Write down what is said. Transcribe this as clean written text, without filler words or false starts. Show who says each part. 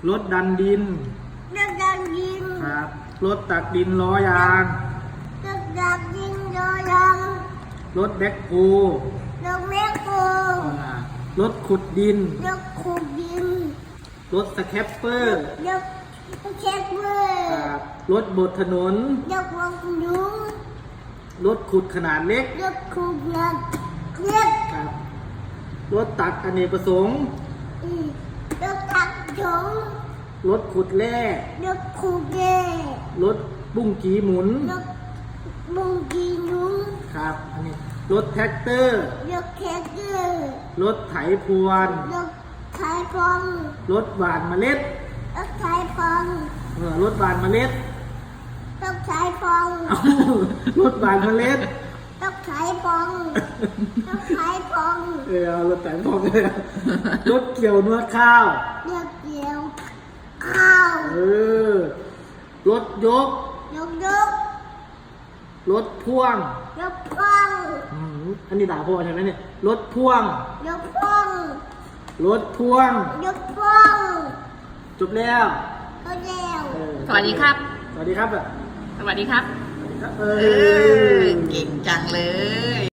Speaker 1: รถดันดิน
Speaker 2: รถดันดิน
Speaker 1: ครับรถตักดินล้อยาง
Speaker 2: รถดันดินรถยาง
Speaker 1: รถแบ็คโฮ
Speaker 2: รถแมคโคร
Speaker 1: รถขุดดิน
Speaker 2: รถขุดดิน
Speaker 1: รถสแครปเปอร์
Speaker 2: รถเช็คเบอ
Speaker 1: ค
Speaker 2: ร์
Speaker 1: รับรถบดถนน
Speaker 2: รถวงลุ้ง
Speaker 1: รถขุดขนาดเล็ก
Speaker 2: รถขุดเงินเรียก
Speaker 1: ครับรถตักอเนกประสงค์
Speaker 2: รถตักถง
Speaker 1: รถขุดแร่
Speaker 2: รถขุดเก
Speaker 1: รถบุ้งกีหมุน
Speaker 2: รถบุงกีนุ้ง
Speaker 1: ครับอันนี้รถแท็กเตอร์
Speaker 2: รถแคเกอร์
Speaker 1: รถไถพรวน
Speaker 2: รถขายฟอง
Speaker 1: รถหว่านเมล็ด
Speaker 2: รถขายฟอง
Speaker 1: รถหว่านเมล็ด
Speaker 2: รถขายฟอง
Speaker 1: เอ้ารถหว่านเมล็ด
Speaker 2: รถขายฟองรถขายฟอง
Speaker 1: เอารถแต่งพองเลยอะรถเกี่ยวนวดข้าว
Speaker 2: รถเกี่ยวข้าว
Speaker 1: รถยก
Speaker 2: ยกยก
Speaker 1: รถพ่วง
Speaker 2: ยกพ่วง
Speaker 1: อันนี้ด่าพ่อใช่ไหมเนี่ยรถพ่วง
Speaker 2: ยกพ่วง
Speaker 1: รถพ่วง
Speaker 2: ยกพ่วง
Speaker 1: จบแล้ว
Speaker 2: รถเร็ว
Speaker 3: สวัสดีครับ
Speaker 1: สวัสดีครับ
Speaker 3: สวัสดีครับ
Speaker 1: สวัสดีครับ
Speaker 3: เก่งจังเลย